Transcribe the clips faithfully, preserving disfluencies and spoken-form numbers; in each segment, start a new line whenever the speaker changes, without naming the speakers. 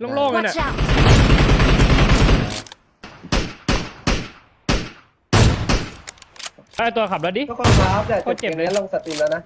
โล่งๆเลยเนี่ย
Watch out!
ไอ้ตัวขับแล้วดิ
ทุกคนครับแต่
โคตรเจ็บเลย
นี้ลงสตรีมแล้วนะ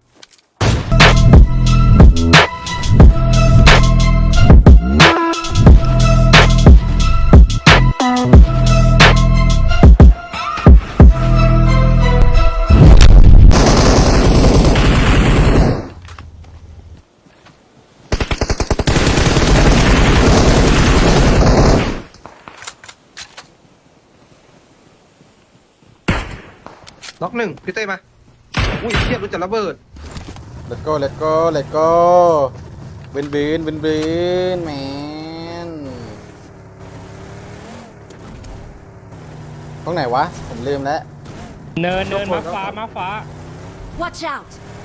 ล็อกหนึ่งพี่เต้มาอุ้ยเทียบรู้จักระเบิด
let's go let's go let's go บินบินบินบินแมนตรงไหนวะผมลืมแล้ว
เนินเนินมาฟ้ามาฟ้า
Watch out!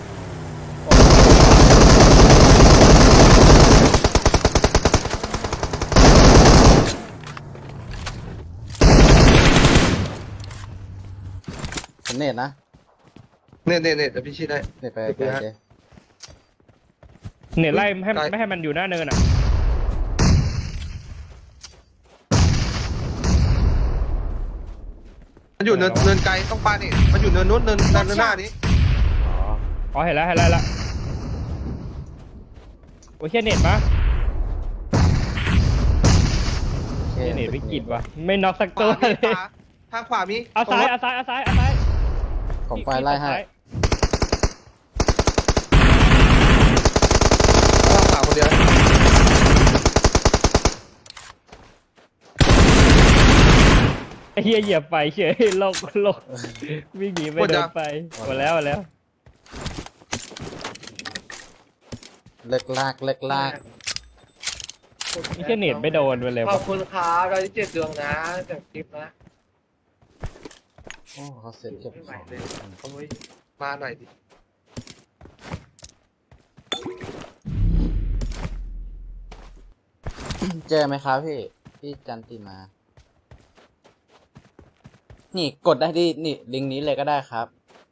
ผมเน็ตนะ
เน่เน่เน่เดี๋ยวพี่ชี้ได้
เน็ตไป
เน็ตไป
โอ
ฮะ
เค
เนี่ยไล่ให้
ไกล
ไม่ให้มันอยู่หน้าเนินอ่ะ
มันอยู่เนินเนินไกลต้องปานี่มันอยู่เนินนู้นเนินเนินหน้านี้
อ๋อ
อ๋อเห็นแล้วเห็นแล้วเห็นแล้วโอ้ยเชี่ยเน็ตปะ
โอเค
เชี่ยเน็ตวิกฤตวะไม่น็อกสัก
ข
ตัว
วามี
เลย
ขวาทางขวามี
เอาซ้ายเอาซ้ายเอาซ้ายเอาซ้าย
ผมไฟไล่ให้
ทางขวาคนเดียว
ไอ้เหี้ยเหยียบไปเฉยโลกโลกวิ่งหนีไม่โดนไปหมดแล้วหมดแล้ว
เลิกลากเลิกลาก
ไอ้เชี่ยเน็ตไม่โดนไปเลย
ขอ
วะ
บคุณครับเราที่เจ็ดดวงนะจากคลิปนะ
โอ้เขาเสร็จเก็บ
ไม่
ข
ไหว
อง
เลยโอ้ยมาหน่อยดิ
เจอไหมครับพี่พี่จันติมา นี่กดได้ที่นี่ลิงก์นี้เลยก็ได้ครับ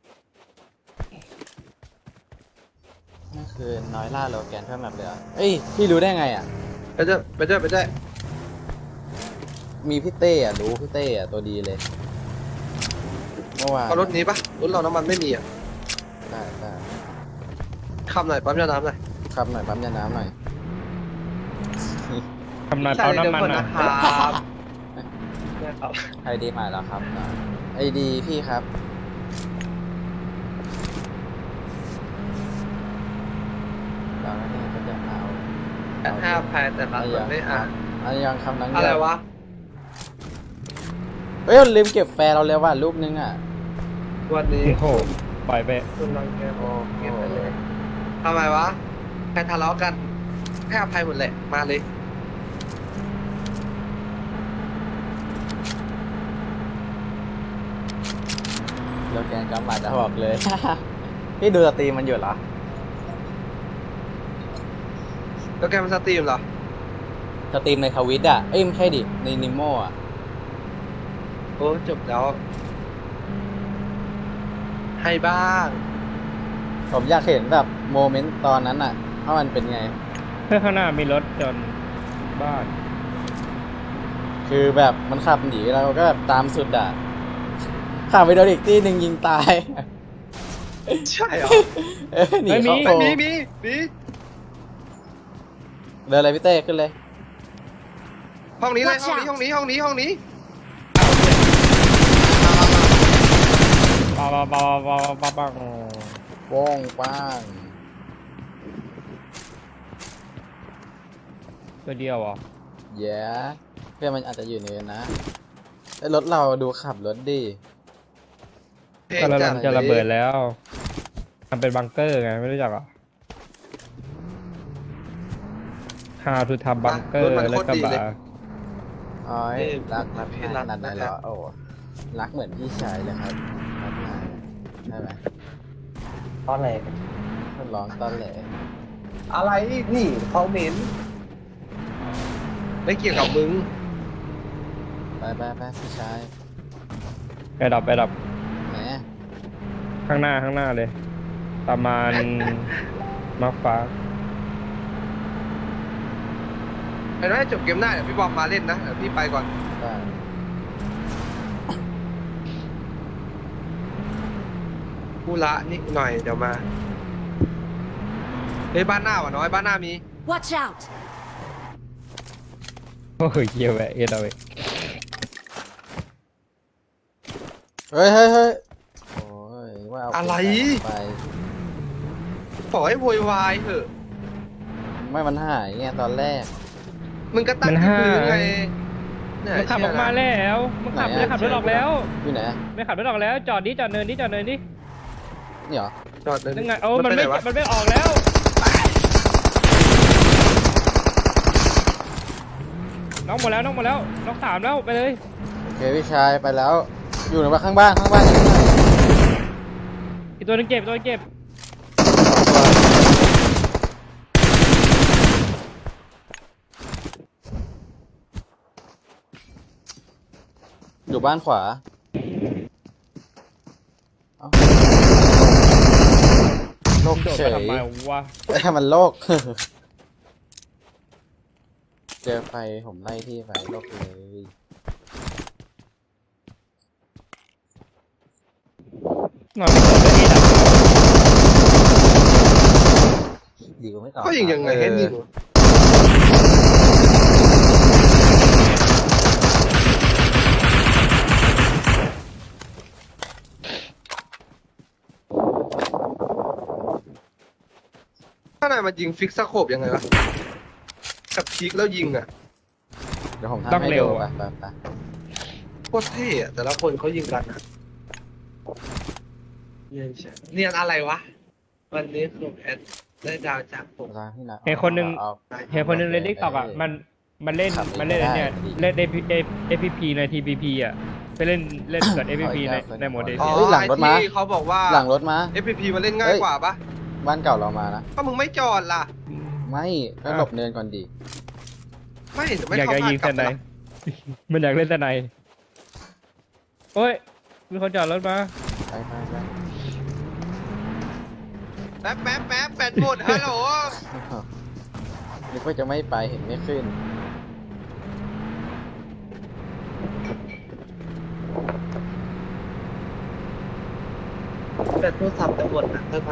นั่นคือน้อยล่าโลแกนเพิ่มแบบเลยเหรอเอ้ยพี่รู้ได้ไงอ่ะ
ไปเจ้าไปเจ้าไปเจ้า
มีพี่เต้อะรู้พี่เต้อะตัวดีเลยเมื่อวาน
เอารถนี้ปะรถเราน้ำมันไม่มีอ่ะ
ได้ได้
ขับหน่อยปั๊มยาน้ำหน่อย
ครับหน่อยปั๊มยาน้ำหน่อย
ทำนานเอาน้ำมันนะ
ครับ
ไอดีใหม่แล้วครับไอดีพี่ครับเราเนี่ยก็จะเอา
แอดห้าพันแต่ละคนไม่อ่าน
อันยังคำนั้น
อะไรวะ
เฮ้ยลืมเก็บแฟร์เราแล้วว่ะรูปนึงอ่ะ
วันนี้
โอ้โหปล่อยไป
คุณรังแก
โอ้
เก็บไปเลยทำไมวะใครทะเลาะกันให้อภัยหมดแหละมาเลย
โลแกนกำบัดจะบอกเลย พี่ดูสตรีมมันอยู่เหรอ
แล้วแกมันสตรีมเหรอ
สตรีมในทวิตอ่ะ เอ้ยไม่ใช่ดิ ในนิโมอ่ะ
โอ้จบแล้วให้บ้าง
ผมอยากเห็นแบบโมเมนต์ตอนนั้นอ่ะว่ามันเป็นไง
เพื่อข้างหน้ามีรถจนบ้าน
คือแบบมันขับหนีเราก็แบบตามสุดอ่ะขับไปโดนอีกที่หนึ่งยิงตาย
ใช่เหรอ
เอ้ยหนีเขาโผ
มี
ล่
มีมี
เดินเลยพี่เต้ขึ้นเลย
ห้องนี้เลย
Watch
ห้องนี้
out
ห้องนี้ห้องนี้ห้องนี้
ปาปาปาปาปาปา
โป้งป้าง
ตัวเดียวเหรอ
แย่เพื่อนมันอาจจะอยู่ในนั้นนะไอ้รถเราดูขับรถดิ
ก็ระเบิดจะระเบิดแล้วมันเป็นบังเกอร์ไงไม่รู้จักเหรอ How to ทำบังเกอร์แล้วก็บา
อ๋อยรักรักขนาดไหนเหรอโอ้รักเหมือนพี่ชายเลยครับรักนายใช่ไหม
ตอนไหน
ร้องตอนแหล
อะไรนี่เขาเหม็นไม่เกี่ยวกับมึง
ไปไปไปพี่ชาย
ไปดับไปดับ
แหม
ข้างหน้าข้างหน้าเลย ประมาณ มาฟ้า
เดี๋ยวให้จบเกมหน้าเดี๋ยวพี่บอมมาเล่นนะเดี๋ยวพี่ไปก่อน
ได้
กูละนิดหน่อยเดี๋ยวมาเฮ้ยบ้านหน้าว่ะน้อยบ้านหน้ามี
Watch out!
โอ้ยเหี้ยแหวะเอ็ดเอาไป
เฮ้ยเฮ้ยเฮ้ยโอ้ยว่าเอา
อะไร
ไป
ปล่อยให้โวยวายเถอะ
ไม่มันหายไงตอนแรก
มึงก็ตั้งที่พื้นไงเนี่ย
มันขับออกมาแล้วมันขับ
ไหนอะ
ไม่ขับรถออกแล้ว
อยู่ไหนอะ
ไม่ขับรถออกแล้วจอดดิจอดเนินดิจอดเนินดิ
นี่เหรอ
จอดเลย
นั่นไงโอ้มัน
ป
ไม่
หวะ
มันไม่ออกแล้วน้องหมดแล้วน้องหมดแล้วน้องสามแล้วไปเลย
โอเคพี่ชายไปแล้ว อยู่ไหนวะข้างบ้านข้างบ้านข้างบ้าน
อีกตัวหนึงเก็บอีกตัวหนึงเก็บ
อยู่บ้านขวาเอ้าโลก
โดด
เฉ
มาย ทำไมวะ
แต่มันโลก เจอไฟผมไล่ที่ไฟโลกเลย
นอนไม่หลับเลยนี่ดับ
ดีกว่าไม่ตอบ
ก็ยิงยังไงให้ยิงข้างในมันยิงฟิกซ์สโคปยังไงวะกับพีกแล้วยิงอ่ะ
เดี๋ยวผมทำให้ดูไปไปไป
โคตรเท่อะแต่ละคนเขายิงกันอะเนียนใช่เนียนอะไรวะ วันนี้คือแอดได้ดาวจากผม
ทางที่นะ
เห็นคนหนึง
เอา
เห็นคนหนึงเล่นทิกตอกอ่ะมันมันเล่น
ขับ
มันเล่นอันเนี่ย
ไม่ได้
เล่นเอฟพีพีในทีพีพีอ่ะไปเล่นเล่นกับเอฟพีพีในในโหมดเด
อ๋อ
ซี
เฮ้ยหลังรถม้า
ไอ้ที่เขาบอกว่า
หลังรถมา
เอฟ พี พี มันเล่นง่ายกว่าปะ
บ้านเก่าเรามานะ
ก็มึงไม่จอดล่ะ
ไม่ก็หลบเนินก่อนดี
ไม่แต่ไม่
อยาก
เข้า
จะ
พลา
ยิ
ด
ง
กลั
ส
บ
ไน
ไป
ป์มันอยากเล่นสไนป์โอ้ยมีคนจอดรถมา
ไปไปไป
แป๊บแป๊บแป๊บแปดหมดฮัลโหล
นึกว่าจะไม่ไปเห็นไม่ขึ้น
แปดโทรศัพท์จะหมดนะเธอไป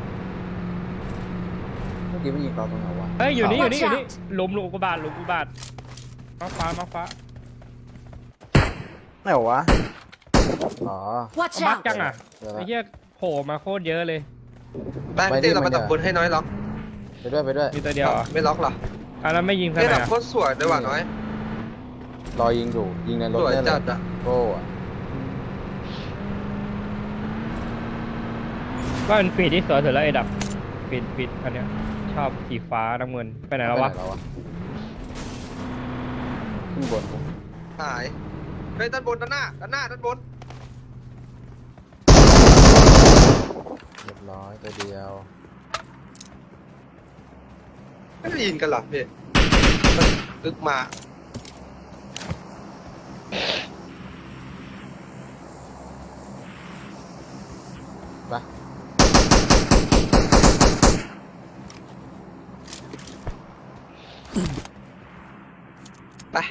เมื่อกี้มันยิงเราตรงไหนวะ
เฮ้ยอยู่นี่อยู่
Watch
นี่อยู่นี่
out
หลุมหลุมอุกกาบาตหลุมอุกกาบาตมาฟ้ามาฟ้า
ไหนวะ อ๋อ
Watch
บัก
out!
จังอ่ะ
เดี๋ยว
ไอ้
ละ
เหี้ยโผล่มาโคตรเยอะเลย
แป๊บ
ไปดิ
เต้เรา
มั
มาน
จะ
ตับบนให้น้อยล็อก
ไปด้วยไปด้วย
มีตัวเดียวเหรอ
ไม่ล็อกหรอ
อันนั้นไม่ยิงส
เต้
ไน
ดับ
ป์
โคตรสวยเลยว่ะน้อย
รอยิงอยู่ยิงในรถ
สวย
ได้เล
จั
ย
ดอ่ะ
โก้อะ
ก็เป็นฟีดที่สวยสุดแล้วไอ้ดับฟีดฟีดอันเนี้ยชอบสีฟ้าน้ำเงินไปไหนแล้ววะ
ไปไหนแล้ววะขึ้นบนกู
หายเฮ้ยด้านบนด้านหน้าด้านหน้าด้านบน
เรียบร้อยตัวเดียว
ไม่ได้ยินกันหรอพี่มันลึกมา
ไป
ไป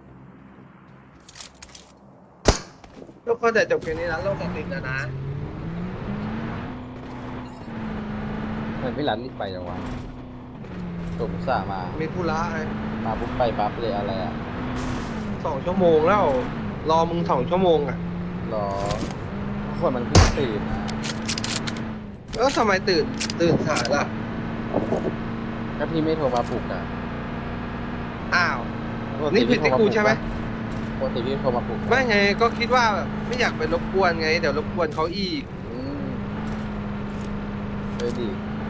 ทุกคนแต่จบเกมนี้แล้วโลกตัดสินนะนะ
เหมือนพี่หลันรีบไปจังวะตุ่มส่าห์มา
มีธุระไง
มาปุ๊บไปปั๊บเลยอะไรอ่ะ
สองชั่วโมงแล้ว รอมึงสองชั่วโมงอ่ะ
รอคนมันเพิ่งตื่นนะ
แล้วทำไมตื่นตื่นสายล่ะ
ถ้าพี่ไม่โทรมาปลุกอ่ะ
อ้าว
ปติ
นี่ผิดที่กูใช่ไหม
ปกติพี่โทรมาปลุกนะ
ไม่ไงก็คิดว่าแบบไม่อยากไปรบกวนไง เดี๋ยวรบกวนเขาอีก
อืมเออดี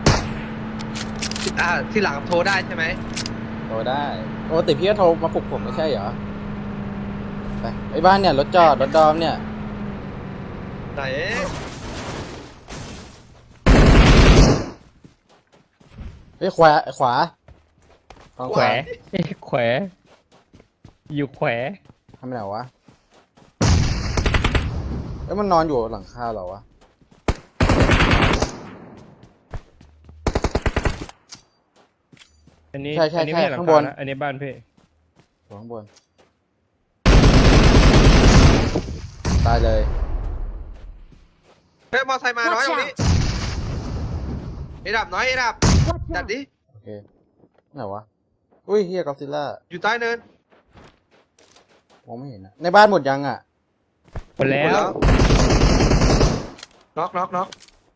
อ่าทีหลังโทรได้ใช่ไหม
โทรได้ปกติพี่ก็โทรมาปลุกผมไม่ใช่เหรอไปไอ้บ้านเนี่ยรถจอดรถดอมเนี่ย
ไหน
เฮ้ยขวาขวาฝั่ง
แขวเอ้ยแขวอยู่แขว
ทำไมไหนวะเอ้ยมันนอนอยู่หลังคาเหรอวะ
อันนี้
ใช่ใช่
อันนี้
ใช่
ไม่ใช่หลัง
ข้าง
คา
บน
นะอันนี้บ้านพี่
ตัวข้างบนตายเลย
เฮ้ยมอไซค์มาน้อยตรงนี้ไอ้ดับน้อยไอ้ดับจัดดิ
โอเคไหนวะอุ้ยเฮียกอซิลล่า
อยู่ใต้เนิน
มองไม่เห็นอะในบ้านหมดยังอ่ะ
หมดแล้
หมด
ว
แล้วน็อกน็อกน็อก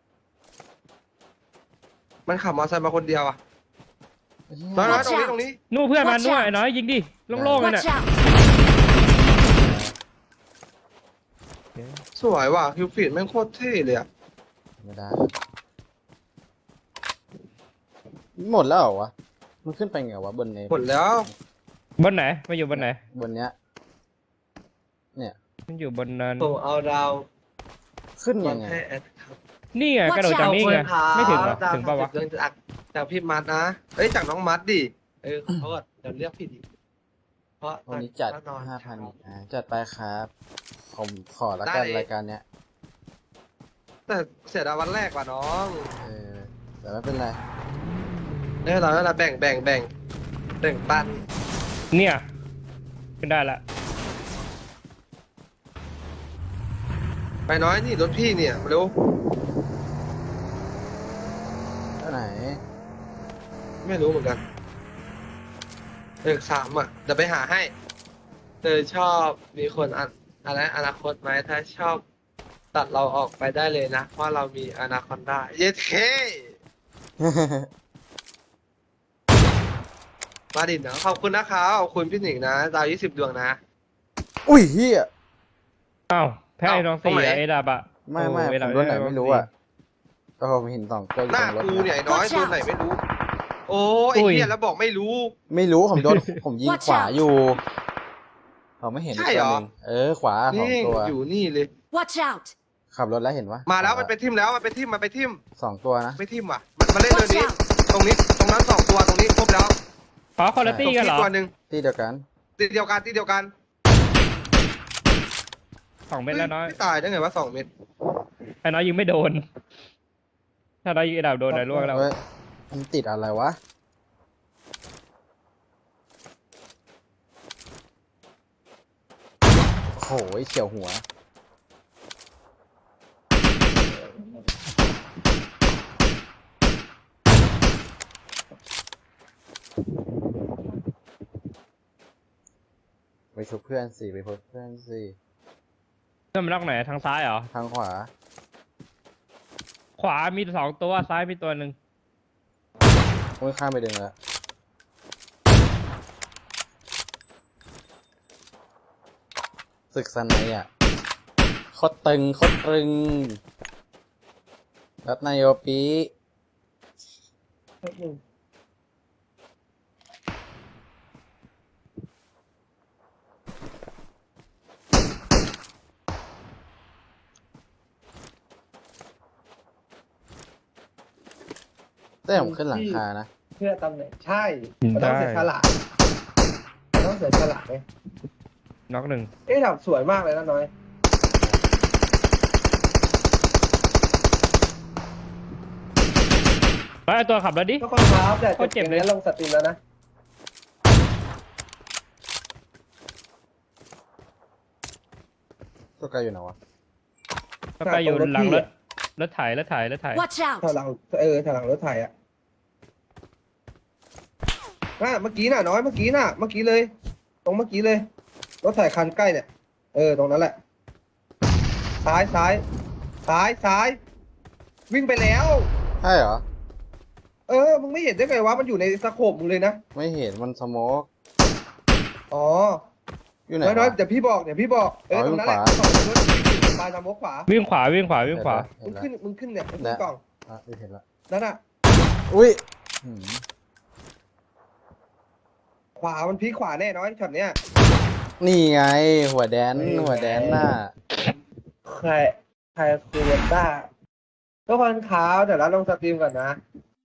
มันขับมอไซค์มาคนเดียวอ่ะน้อยน้อยตรงนี้ตรงนี้
นู่นเพื่อนมันนู่นไอ้น้อยยิงดิโล่งๆเลยน่ะ
Watch out!
สวยว่ะคิวฟีดแม่งโคตรเท่เลยอ่ะ
ไม่ได้หมดแล้วเหรอวะมันขึ้นไปไงวะบนเน
หมดแล้ว
บนไหนมาอยู่บนไหน
บนเนี้ยเนี่ย
มันอยู่บนนั้น
ผมเอาดาว
ขึ้น
มา
ยังไง
ให้แอดครับ
นี่ไงกระโดดจากนี่ไงไม่ถึงหรอถึงปะวะ
ดาวจากจากพี่มัดนะเอ้ยจากน้องมัดดิเออขอโทษเดี๋ยวเรียกผิดอีกเพราะ
วันนี้จัด
แน่นอน
ห้าพันอ่าจัดไปครับผมขอละกันรายการเนี้ย
แต่เสียดายวันแรกว่ะน้อง
เออแต่ไม่เป็นไร
เนี่ยเราเราแบ่งแบ่งแบ่งแบ่งปัน
เนี่ยขึ้นได้ละ
ไปน้อยนี่รถพี่เนี่ยเร็ว
ที่ไหน
ไม่รู้เหมือนกันเลขสามอ่ะเดี๋ยวไปหาให้เธอชอบมีคนอันอะไรอนาคตไหมถ้าชอบตัดเราออกไปได้เลยนะเพราะเรามีอนาคอนด้าเย็ดเคมาดินเนาะขอบคุณนะครับขอบคุณพี่หนิงนะดาวยี่สิบดวงนะ
อุ้ยเฮีย
อ้าวแพ้ไอ้น้อง
ตรง
สี่
ไหน
อะไอ้ดาบอะ
ไม่ไม่
โอ้
ผม
อ้ดาบ
รถไหนไม่รู้อ่ะแต่ผมเห็นสองตัวอยู่
หน้า
ตรงรถ
กูเนี่ย
นะ
ไอ้น้อยตัวไหนไม่รู้ โอ้ไอ้เหี้ยแล้วบอกไม่รู้
ไม่รู้ผมโดน ผมยิง
Watch
ขวา
out
อยู่ผมไม่เห็น
ใช่
อีก
เหร
ตัว
อ
หนึ่งเออขวาสอง
นี่
ตัว
อยู่นี่เลย
Watch out!
ขับรถแล้วเห็นวะ
มาแล้วมันไปทิมแล้วมันไปทิมมันไปทิม
สองตัวนะ
ไม่ทิมว่ะมันมาเล่นเรื่อง
Watch
นี้
out!
ตรงนี้ตรงนั้นสองตัวตรงนี้ครบแล้ว
ขอคนละ
ตร
ตี้
ง
กันเหร
นี้
อ
ตัวหนึ่ง
ที่เดียวกัน
ตีเดียวกันตีเดียวกัน
สองเม็ดแล้วน้อย
ไม่ตายได้ไงวะสองเม็ด
ไอ้น้อยยิงไม่โดน ถ้าน้อยยิงไอ้ดาบโดนไอ้ล่วงแล้ว
เฮ้ยมันติดอะไรวะโอ้โหเฉียวหัวไปชุบเพื่อนสิไปพบเพื่อนสิ
เพื่อนมันล็อกไหนทางซ้ายเหรอ
ทางขวา
ขวามีสองตัวซ้ายมีตัวหนึ่ง
โอ้ยข้ามไปดึงแล้วศึกสนัยอ่ะโคตรตึงโคตรตึงรัตนายโยปีได้ผมขึ้นหลังคานะ
เพื่อตำแหน่งใช่มันต้องเสียฉลาดมันต้องเสียฉลาดเลย
น็อกหนึ่ง
เอ๊ะดาบสวยมากเลยนะน้อย
ไปเอาตัวขับแล้วดิ
ก็คนครับแต่
โคตรเจ็บเลย
ลงสตรีมแล้วนะ
ตัวไกลอยู่ไหนวะ
ก็ไปอยู่หลังรถรถไถรถไถรถไถ
Watch
ถอย
out!
หลังเออถอยหลังรถไถอ่ะน่ะเมื่อกี้น่ะน้อยเมื่อกี้น่ะเมื่อกี้เลย ตรงเมื่อกี้เลย รถไถคันใกล้เนี่ยเออตรงนั้นแหละ ซ้ายซ้ายซ้ายซ้าย วิ่งไปแล้ว
ใช่เหรอ
เออมึงไม่เห็นได้ไงวะมันอยู่ในสโคปมึงเลยนะ
ไม่เห็นมันสโมก
อ๋อ
อยู่ไหน
น้อยน้อยว
ะ
เดี๋ยวพี่บอกเดี๋ยวพี่บอกเออ
อ๋อ
ตรงนั้นแหละ
วิ่งขวา
สองรถปลายนำมกขวา
วิ่งขวาวิ่งขวาวิ่งขวา
เห็
มึ
น
ง
แล้ว
ขึ้นมึงขึ้นเนี่ยมึงขึ้นกล่อง
อ่ะเห็นแล้ว
นั่นน่ะ
อุ้ยหืม
ขวามันพีคขวาแน่น้อยช็อตเนี้ย
นี่ไง หัวแดนหัวแดนน่ะ
ใครใครคือเวนต้าทุกคนครับเดี๋ยวเราลงสตรีมก่อนนะ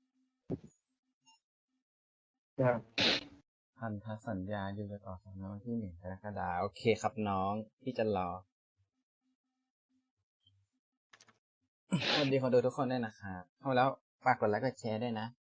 นะครับ
พันธสัญญาอยู่จะต่อสัญญาวันที่หนึ่งกรกฎาคมโอเคครับน้องพี่จะรอสวัสดีคนดูทุกคนด้วยนะครับเข้ามาแล้วฝากกดไลค์กดแชร์ด้วยนะ